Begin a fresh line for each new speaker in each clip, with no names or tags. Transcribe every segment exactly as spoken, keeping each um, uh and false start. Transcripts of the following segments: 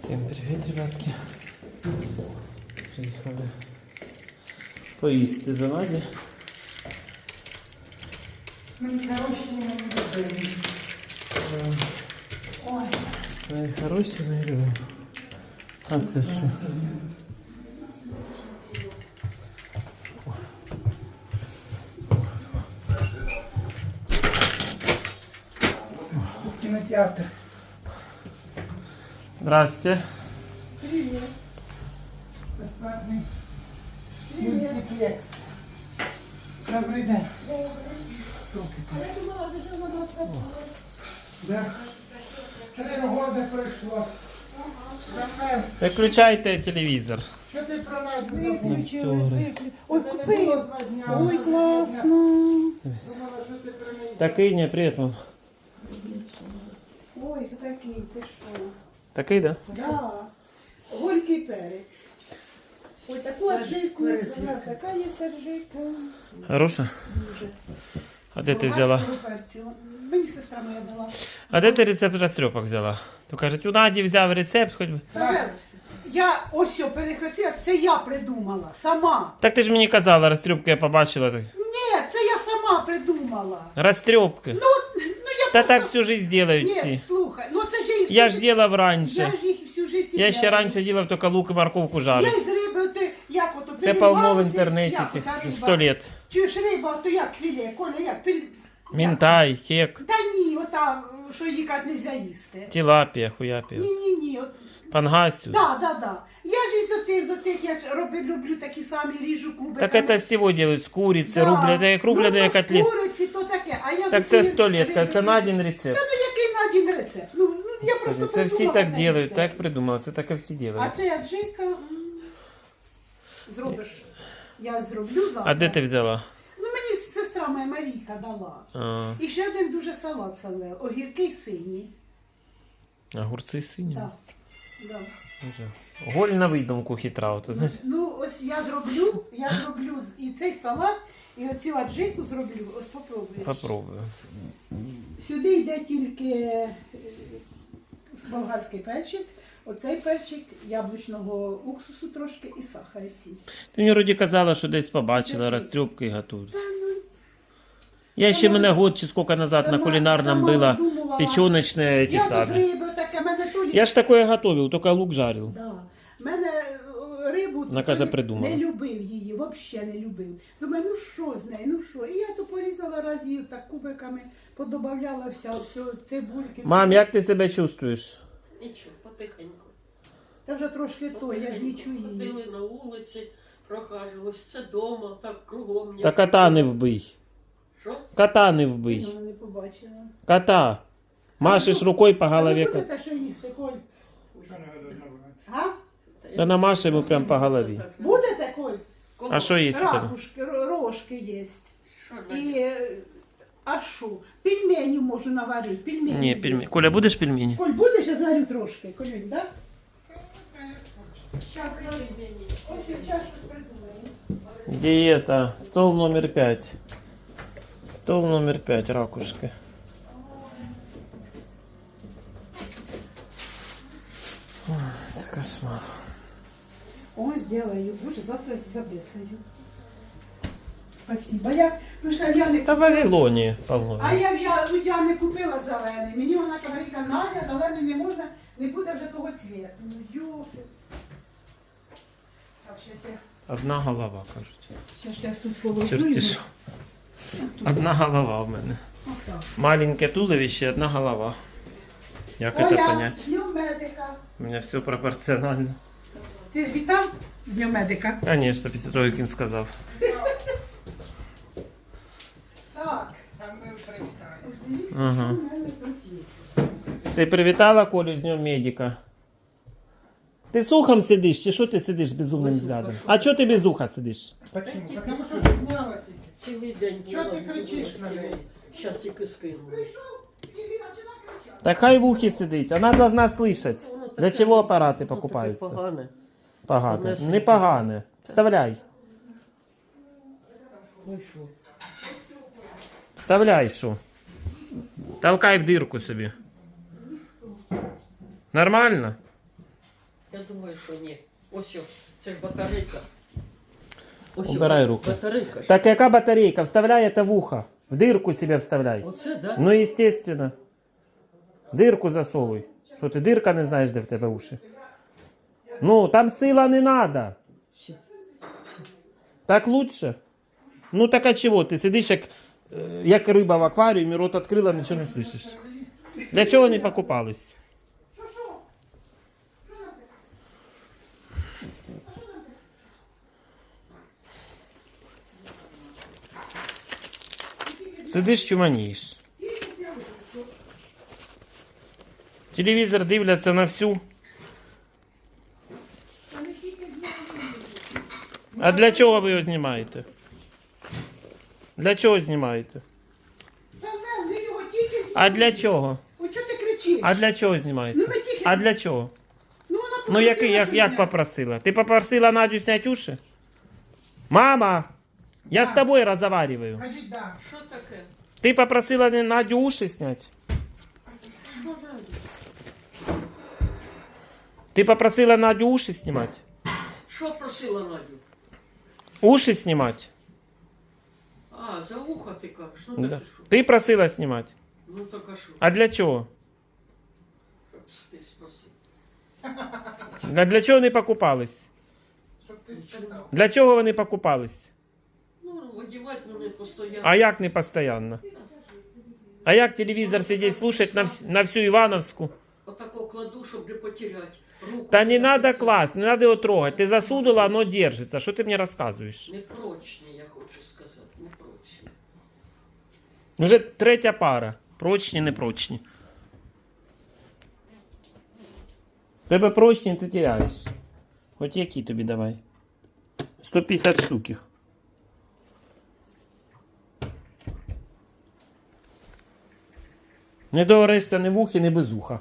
Всім привіт, ребятки. Приїхали поїсти до Наді. Ой, хороші, не люблю. А це що?
Кинотеатр.
Здрасте.
Привет. Бесплатный мультиплекс. Добрий день. Да. Три роки пройшло. Тепер,
Виключайте телевізор.
що ти про нас
Виключили.
Ой, купив. Ой, класно.
Такий, не, привіт, мам.
Ой, такий, ти що?
Такий, да?
Да. Горький перець. Ой, таку аджику, вона така є сержика.
Хороша?
Дуже.
А де ти взяла?
Мені сестра моя дала.
А де ти рецепт розтрьопок взяла? То кажуть, у Наді взяв рецепт, хоч би.
Савел, я ось що перехрестила, це я придумала, сама.
Так ти ж мені казала, розтрьопки я побачила. Так.
Ні, це я сама придумала.
Розтрьопки.
Ну, ну я
Та
просто...
так всю жизнь делают
Ні,
всі.
слухай, ну це ж я їх
Я
всю
ж делав
Я
раніше.
ж їх всю життя
Я ще раніше делав тільки лук і морковку
Я
жарив.
із риби, ти, як ото,
Це полно в
перебралася,
інтернеті
як
цих
ота риба.
сто літ.
Чуєш, риба, то як філе, Коля, як? Піль...
Мінтай, хек,
Та ні, ота, що їкати не можна їсти.
тилапія, хуяпія.
Ні-ні-ні, от...
Пангасю.
Да, да, да. Я ж із отих, з отих, я ж роблю, люблю такі самі, ріжу кубиками.
Так это з всего делают, з куриці,
Да.
рубленые, як рубленые
Ну, то з
котлети.
куриці, то таке. А я
Так
з
це
отих
сто літ,
риби-
це на один рецепт.
Та ну який на один рецепт? Ну, ну я просто
Це всі
придумала
так
цей
делают,
рецепт.
так придумали, це так і всі
А
делают.
це аджика, м, зробиш, я зроблю завтра.
А де ти взяла?
Ну мені сестра моя Марійка дала.
А,
І ще один дуже салат Савел, огірки сині.
огурці сині.
Да. Да.
Дуже. Голь на видумку хитра, от, знаєш.
Ну ось я зроблю, я зроблю з- і цей салат, і оцю аджику зроблю. Ось попробуєш.
Попробую.
Сюди йде тільки е, болгарський перчик, оцей перчик, яблучного уксусу трошки і сахар і сіль.
Ти мені вроді казала, що десь побачила
Десь.
розтрьопки і готують. Я ще мене год чи скільки назад на
Сама-
кулінарному
сама
було
видумувала.
печеночне ті
Я з
самі.
риби таке, мене то лі-
Я ж такое готовил, тільки лук жарив.
Да. Мене е, рибу
Вона каже,
не-
придумала.
не любив її, взагалі не любив. Думаю, ну що з нею, ну що? І я то порізала разів так кубиками, подобавляла все, все цибульки.
Мам, як ти себе чувствуєш?
Нічого, потихеньку.
Та вже трошки то, я ж не чую її.
Ходили на вулиці, прохажувалися, це дома, так кругом.
Та кота не вбий.
Що?
Кота не вбий.
Я не побачила.
Кота. Машеш рукою по голові.
А ви будете що їсти, Коль? А?
Та намаше йому прям по голові.
Будете, Коль?
А що їсти там?
Ракушки, ро- рожки є.
Що
І, е, а що? Пельмені можу наварити, пельмені.
Ні,
є.
пельмені. Коля, будеш пельмені?
Коль, будеш, я зварю трошки, Колюнь, так? Щас, ось я щас щось придумаю.
Диета. Стол номер пять. Стол номер пять, ракушки. Ой, це кошмар.
Ой, сделаю. Боже, завтра забецаю. Спасибо. Я, ну, що я не
Та в Вавилоні полно.
А я, я, ну, я не купила зелений. Мені вона говорить, Надя, зелений не можна, не буде вже того цвіту. Ну, Йосип. Так, щас я,
Одна голова, кажуть.
щас я тут положу.
Чорті
його.
що. Одна голова в мене.
Отак.
Маленьке туловище, одна голова. Як це
Оля,
понять?
з Днем медика.
У мене все пропорціонально.
Ти вітав з Днем медика?
Конечно, після того, як він сказав.
Так.
Ага.
У мене тут є.
Ти привітала Колю з Днем медика? Ти з ухом сидиш, чи що ти сидиш з безумним
Ось
взглядом?
ухо,
А чого ти без уха сидиш?
Почему?
Тільки
Потому
скину.
що зняла тільки.
Цілий день
Чого ти кричиш на неї?
Зараз тільки скину.
Прийшов і він починає кричати.
Так хай в ухі сидить, вона должна слышать.
Воно
Для
таке-
чого апарати
воно таке
покупаються?
Погане.
Погане.
Понесено.
Не погане. Вставляй.
Ну що?
Вставляй, що. Толкай в дирку собі. Нормально?
Я думаю, що ні. Ось, о, це ж батарейка. Ось, о,
Убирай руки.
Батарейка. ж.
Так яка батарейка? Вставляй это в ухо. В дырку себе вставляй.
Оце, да?
Ну, естественно. Дирку засовуй. Що ти дирка не знаєш, де в тебе уші? Ну, там сила не надо.
Все.
Так лучше? Ну так а чого? Ти сидиш як, е, як риба в акваріумі, рот відкрила, нічого не слышиш. Для чого вони покупались? Сидиш, чуманієш. Телевізор дивляться на всю. А для чого ви його знімаєте? Для чого знімаєте?
Самвел, ви його тільки знімаєте.
А для чого?
Ой, чого ти кричиш?
А для чого знімаєте?
Ну, ми тільки-
А для чого?
Ну, вона
Ну як,
попросила,
як,
щоб
як
я-
попросила? Ти попросила Надю зняти уші? Мама, я з тобою розмовляю.
Кажіть, да.
Що таке?
Ти попросила не Надю уші зняти?
Що надо?
Ти попросила Надю уші знімати?
Що просила Надю?
Уші знімати?
А, за ухо ти кажеш. Ну так
Да.
і що?
Ти просила знімати.
Ну так а що?
А для чого?
Щоб ти спросив.
А для чого вони покупались?
Щоб ти спитав.
Для чого вони покупались?
Ну, одівати мене постійно.
А як не постійно? А як телевізор сидіть слушать на, вс- на всю Івановську?
Отако кладу, щоб не потеряти. Руку
Та не
сюди
надо
підсунути.
класть, не надо його трогать. Ти засунула, оно держится. Що ти мені розказуєш?
Непрочні, я хочу сказати. Непрочні.
Вже третя пара. Прочні, непрочні. Тебе прочні, ти теряєш. Хоч які тобі давай. сто п'ятдесят штук їх. Не договоришся ні в ухі, ні без уха.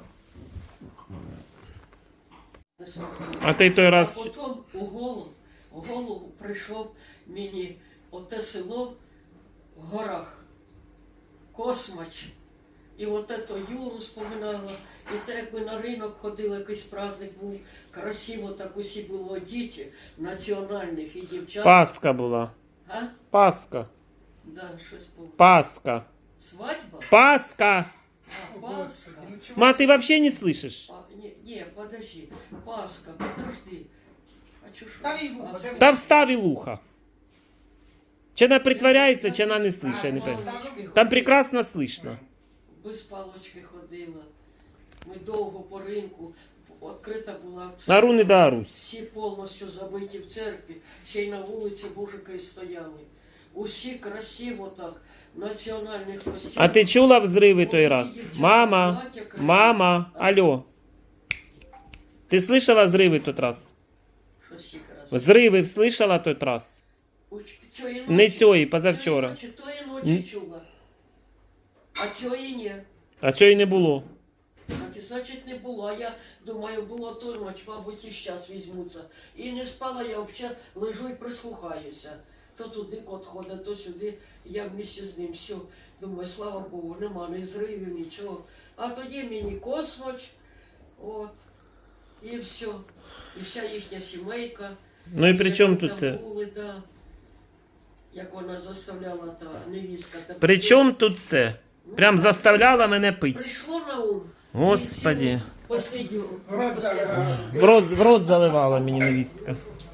А ти той
А
раз...
потім у голову, у голову прийшло мені оте село в горах, Космач. І от ето Юру споминала, і те, як ми на ринок ходили, якийсь праздник був, красиво так усі було діти, національних і дівчат.
Пасха була.
А?
Пасха.
Да, щось було.
Пасха.
Свадьба?
Пасха.
А, Пасха.
Ма, ты вообще не слышишь?
А, не, не, подожди. Пасха, подожди. А чё ж...
Стави в ухо,
Пасха.
давай.
Та вставил ухо. Чи она притворяется, чи она не слышит, я не
Палочки
понимаю.
ходили.
Там прекрасно слышно.
Без палочки ходила. Ми довго по ринку. Відкрита була
На
церква.
руни да Русь.
Всі повністю забиті в церкві. Ще й на вулиці мужики стояли. Усі красиво так. В національних костюмах.
А ти чула взриви той раз? Мама, мама, алло. Ти слышала взриви тот раз?
Що стільки раз?
Взриви слышала тот раз?
У ч- цієї
Не
ночі-
цієї, позавчора.
цієї ночі, тої ночі чула. А цієї ні.
А цього й не було.
Так і значить не було. А я думаю, було ту ніч, мабуть, і зараз візьмуться. І не спала, я взагалі лежу і прислухаюся. То туди кот ходить, то сюди. Я вместе з ним все. Думаю, слава Богу, нема ні зривів, нічого. А тоді мені Космач, от, і все. І вся їхня сімейка.
Ну і при чому
Як
тут
там
це?
були, да. Як вона заставляла та невістка. Та...
При чому тут це? Прям заставляла мене пити.
Прийшло на ум.
Господи.
Послідню.
В рот, в рот заливала мені невістка.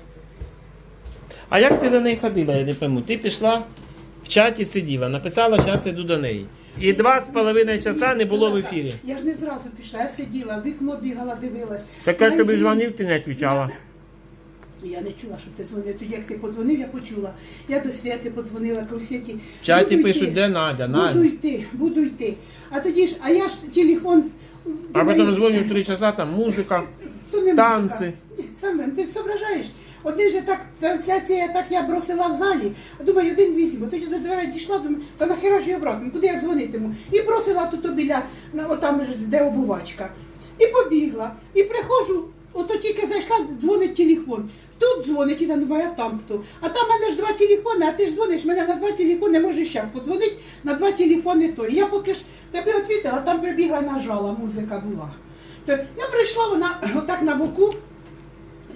А як ти до неї ходила, я не пойму. Ти пішла, в чаті сиділа, написала, зараз йду до неї. І два з половиною часа не було в ефірі.
Я ж не зразу пішла, я сиділа, в вікно бігала, дивилась.
Так я тобі
Найди-
дзвонив, ти не відповідала.
Я не чула, щоб ти дзвонив. Тоді, як ти подзвонив, я почула. Я до Святи подзвонила, кажу, Святі.
В чаті
буду
пишуть,
йти,
де Надя,
Буду
Надя.
йти, буду йти. А тоді ж, а я ж телефон...
А
думаю,
потім дзвоню в три часа, там музика.
то не
танці.
музика. Ні, Саме, ти зображаєш. Один же так, трансляція, так я бросила в залі, а думаю, один візьму. Тоді до дверей дійшла, думаю, та нахера ж я обратно, куди я дзвонитиму? І бросила тут біля, на- отам, ж, де обувачка. І побігла. І приходжу, ото тільки зайшла, дзвонить телефон. Тут дзвонить, і я думаю, а там хто? А там в мене ж два телефони, а ти ж дзвониш, мене на два телефони, можеш зараз подзвонити, на два телефони той. Я поки ж тебе відвітила, там прибігла, нажала, музика була. То я прийшла, вона отак на боку,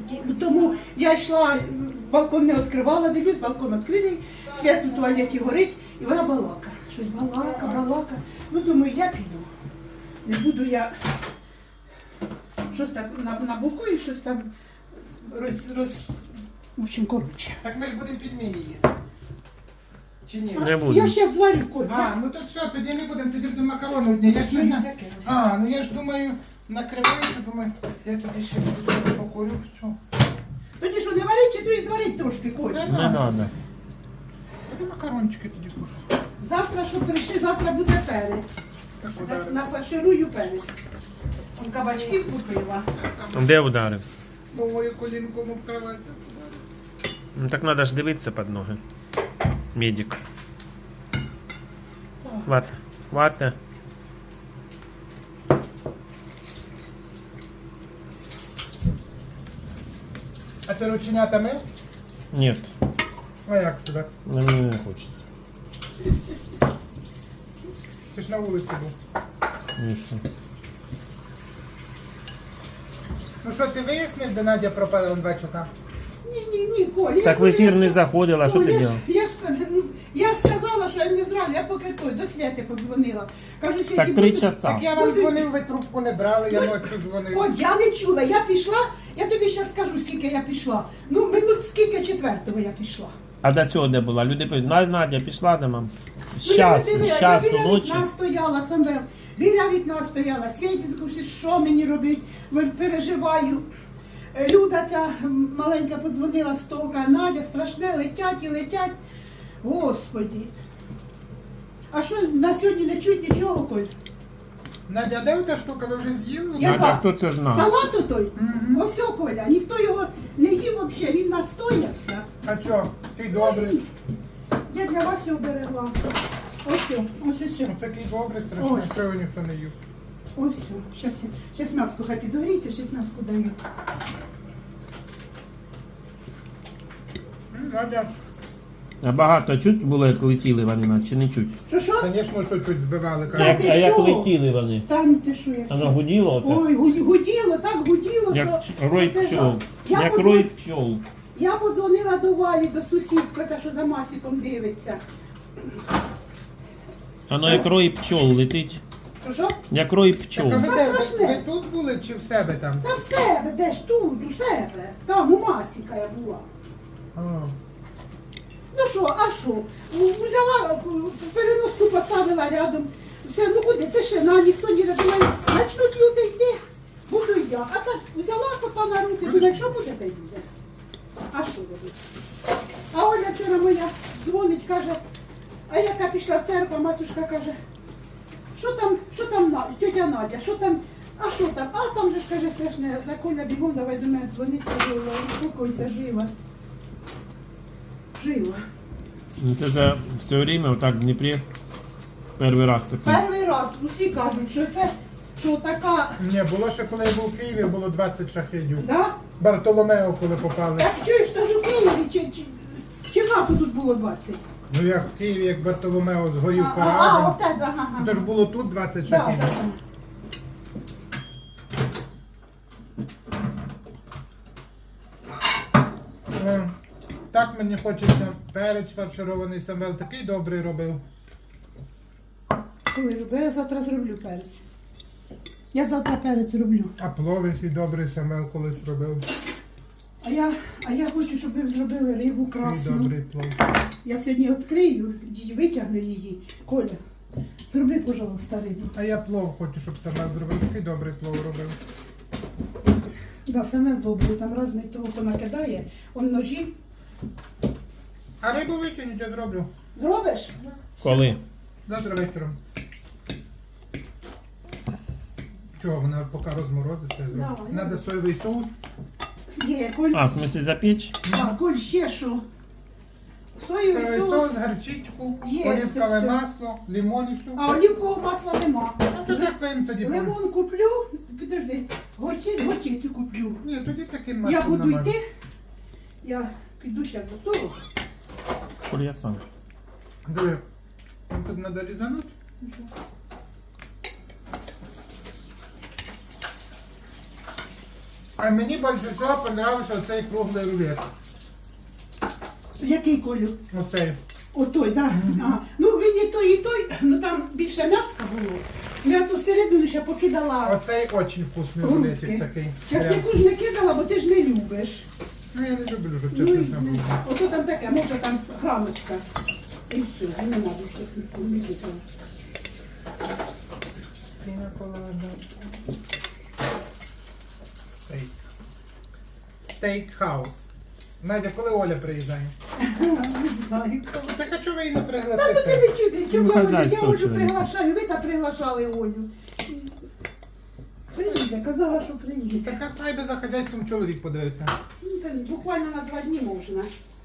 ті- Тому я йшла, балкон не відкривала, дивлюсь, балкон відкритий, світ у туалеті горить, і вона балака. Щось балака, балака. Ну, думаю, я піду. Не буду я щось так на, на боку і щось там роз... роз... В общем, коротше.
Так ми ж будемо пельмені їсти. Чи ні?
Не буду.
Я ще зварю корм.
А, ну то все, тоді не будемо, тоді будемо макарони одні. Я ж не знаю. А, ну я ж думаю, накриваю, думаю, я тоді ще буду покурю. Що?
Тоді що, не варить, чи то і зварить трошки, Коль?
Та
Не
на.
треба.
Тоді макарончики тоді кушаю.
Завтра, що прийшли, завтра буде перець.
Так
На-
ударився.
Нафарширую перець. Он кабачків купила.
Де ударився?
Бо мою колінку об кровать.
Ну так треба ж дивитися під ноги. Медик. Вата. Вата.
А ти рученята мив?
Ні,
А як тебе?
мені не хочеться.
Ти ж на вулиці був.
Ні, що.
Ну що, ти вияснив, де Надя пропала на два часа?
Ні, ні, ні, Коль. я
Так в
говорю,
ефір
я
не
ска-
заходила, що
Ну,
ти
я ж-
робила?
Я ж ска- я сказала, що я не зразу, я поки той, до Святи подзвонила. Кажу, Святі,
Так три
буду-
часа.
Так я вам дзвонив, ви трубку не брали, я ночі дзвонив.
От я не чула, я пішла, я тобі зараз скажу, скільки я пішла. Ну, минут скільки четвертого я пішла.
А до цього де була? Люди пишуть, «На, Надя пішла до мам. З
Ну, я не
часу,
дивилась,
з
я
часу
біля
ночі.
вікна стояла, Самвел, біля вікна стояла, Світі скажу, що мені робити, Ви- переживаю. Е, Люда ця м, маленька подзвонила з тока, Надя, страшне, летять і летять. Господі. А що, на сьогодні не чуть нічого, Коль?
Надя, де та штука, ви вже з'їли?
Я-
Надя,
Яка?
хто це знає?
Салату той?
Мгм.
Ось о, Коля, ніхто його не їв взагалі, він настоявся.
А що, ти добрий?
Я для вас його берегла. Ось о, ось ось. о.
Оце такий добрий, страшно,
Ось.
що його ніхто не їв.
Ось, зараз, зараз м'яско хай підгоріться, зараз м'яско даю.
М, Надя,
А багато чуть було, як летіли вони, на- чи не чуть?
Що, що?
звісно, що чуть збивали.
Та
Як,
ти
а як
що?
летіли вони?
Та ну ти що, як?
Воно гуділо отак?
Ой, гу- гуділо, так гуділо,
Як
що...
ч- рой
це
пчол.
жах. Я,
Як
подзвон-
рой пчол.
я подзвонила до Валі, до сусідка, ця, що за Масіком дивиться.
Воно як рой пчол летить.
Що, що?
Як рой
Так,
пчол.
а ви,
Та
де, ви,
страшне.
ви тут були чи в себе там?
Та в себе, де ж тут, у себе. Там у Масіка я була.
А.
Ну що, а що? Ну, взяла, переноску поставила рядом. Все, ну куди, тишина, ніхто не думає, начнуть люди йти, буду я. А так взяла кота на руки, думаю, що буде, те буде. А що робити? А Оля вчора моя дзвонить, каже, а яка пішла в церкву, матушка каже, що там, що там, На- тетя Надя, що там, а що там? А там же ж каже страшне, за Коля бігом, давай до мене дзвонить, каже, успокойся, жива. Жива.
Ну, Це за все время отак в Дніпрі перший раз такий.
Перший раз усі кажуть, що це що така,
Ні, було ще коли я був в Києві, було двадцять шахедів.
да?
Бартоломео, коли попали.
Так чуєш, то ж у Києві, чи, чи, чи в нас тут було двадцять?
Ну як в Києві, як Бартоломео згорів
А, а,
парадом.
отець, ага, ага.
То ж було тут двадцять
Да,
шахедів.
да.
Е, Так мені хочеться. Перець фарширований, Самвел такий добрий робив.
Коли люблю, я завтра зроблю перець. Я завтра перець зроблю.
А плов який добрий Самвел колись робив.
А я, а я хочу, щоб ви зробили рибу
Такий
красну.
добрий плов.
Я сьогодні відкрию, і витягну її. Коля, зроби, пожалуйста, рибу.
А я плов хочу, щоб Самвел зробив. Такий добрий плов робив.
Да, саме добре, там різний того понакидає. Он ножі.
А рибу викинуть, я зроблю.
Зробиш?
Коли?
Завтра вечором. Чого, вона поки розморозиться, я зроблю.
Давай.
Надо соєвий соус.
Є, Коль.
А, в смысле запечь?
А, Коль, ще що? Соєвий
Соєвий
соус.
соус, гарчичку,
Є,
олівкове
все.
масло, лимон і все.
А олівкового масла нема.
Ну то так їм тоді. пом-
Лимон куплю, підожди, горчицю, горчицю куплю.
Ні, тоді таким
Я
маслом
буду
намажу.
йти, я піду ще до того.
Коль я сам.
Диви, вам тут треба різанути. А мені більше всього понравився оцей круглий рулет.
Який Колю?
Оцей.
Отой, так. Да? Ага. Ну він і той, і той, ну там більше м'яска було. Я ту середину ще покидала
Оцей дуже вкусний
грудки.
рулетик такий.
Я
Прям.
яку ж не кидала, бо ти ж не любиш.
Ну я не люблю, щоб
Ну,
чесно
і-
там було.
ото там таке, може там грамочка. І все, не треба щось не кидала.
Піна колада. Стейк. Стейк хаус. Надя, коли Оля приїжджає?
Не знаю.
Так а чого ви її не
Та ну ти
пригласите?
не чуєш, чому
Ну,
я Олю, я
хазяйство
Олю
чого не
приглашаю, ви та приглашали Олю. Приїде, казала, що приїде.
Так а хай би за хазяйством чоловік подивився.
Ну, це буквально на два дні можна.